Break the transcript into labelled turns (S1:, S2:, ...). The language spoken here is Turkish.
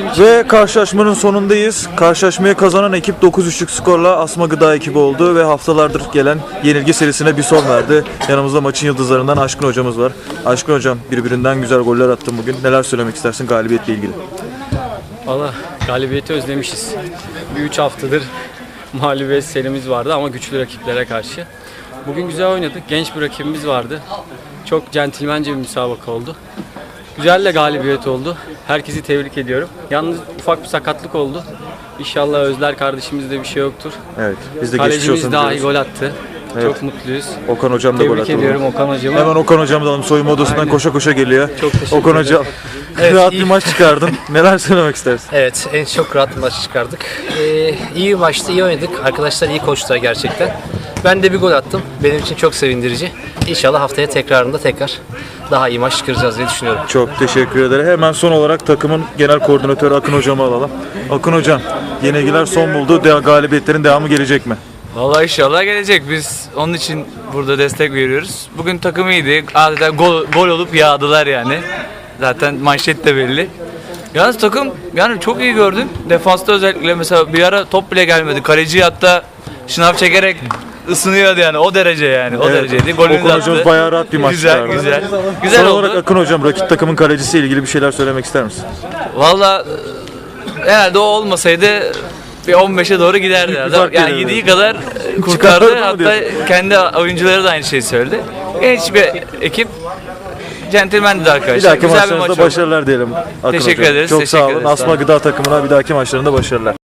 S1: bizim için.
S2: Ve karşılaşmanın sonundayız. Karşılaşmayı kazanan ekip 9-3'lük skorla Asma Gıda ekibi oldu ve haftalardır gelen yenilgi serisine bir son verdi. Yanımızda maçın yıldızlarından Aşkın hocamız var. Aşkın hocam, birbirinden güzel goller attın bugün. Neler söylemek istersin galibiyetle ilgili?
S1: Valla galibiyeti özlemişiz. Bir 3 haftadır mağlubiyet serimiz vardı ama güçlü rakiplere karşı. Bugün güzel oynadık. Genç bir rakibimiz vardı. Çok centilmence bir müsabaka oldu. Güzel de galibiyet oldu. Herkesi tebrik ediyorum. Yalnız ufak bir sakatlık oldu. İnşallah Özler kardeşimizde bir şey yoktur.
S2: Evet, biz de geçmiş olsun
S1: Kalecimiz daha iyi
S2: diyoruz.
S1: gol attı.
S2: Evet.
S1: Çok mutluyuz.
S2: Okan hocam da gol attı.
S1: Tebrik ediyorum Okan hocamı.
S2: Hemen Okan hocamı da alalım. Soyunma odasından
S1: Aynen.
S2: koşa koşa geliyor.
S1: Çok teşekkür
S2: Okan
S1: ederim.
S2: hocam,
S3: Evet,
S2: rahat
S3: iyi.
S2: bir maç çıkardın. Neler söylemek istersin?
S3: Evet, en çok rahat bir maç çıkardık. İyi bir maçtı, iyi oynadık. Arkadaşlar iyi koştular gerçekten. Ben de bir gol attım. Benim için çok sevindirici. İnşallah haftaya tekrarında daha iyi maç çıkaracağız diye düşünüyorum.
S2: Çok teşekkür ederim. Hemen son olarak takımın genel koordinatörü Akın hocamı alalım. Akın hocam, yenilgiler son buldu. Galibiyetlerin devamı gelecek mi?
S4: Vallahi inşallah gelecek. Biz onun için burada destek veriyoruz. Bugün takım iyiydi. Adeta gol olup yağdılar yani. Zaten manşet de belli. Yalnız takım yani çok iyi gördüm. Defansta özellikle mesela bir ara top bile gelmedi. Kaleci hatta şınav çekerek ısınıyordu yani. O derece yani. O dereceydi. Golünü de
S2: Okan hocamız
S4: attı.
S2: bayağı rahat bir maç
S4: Güzel,
S2: çıkardı.
S4: güzel. Güzel
S2: Son
S4: oldu.
S2: olarak Akın hocam, rakip takımın kalecisiyle ilgili bir şeyler söylemek ister misin?
S4: Valla herhalde o olmasaydı bir 15'e doğru giderdi.
S2: Büyük bir fark
S4: Yani
S2: gelirdi.
S4: yediği kadar
S2: Çıkardı
S4: kurtardı.
S2: mı
S4: Hatta
S2: diyorsun?
S4: kendi oyuncuları da aynı şeyi söyledi. Genç bir ekip. Centilmendi de arkadaşlar.
S2: Bir dahaki
S4: Güzel bir maç
S2: maçlarınızda
S4: oldu.
S2: başarılar diyelim Akın
S4: Teşekkür
S2: hocam.
S4: ederiz,
S2: Çok
S4: teşekkür
S2: sağ olun.
S4: ederiz, sağ
S2: Asma
S4: olun.
S2: Gıda takımına bir dahaki maçlarında başarılar.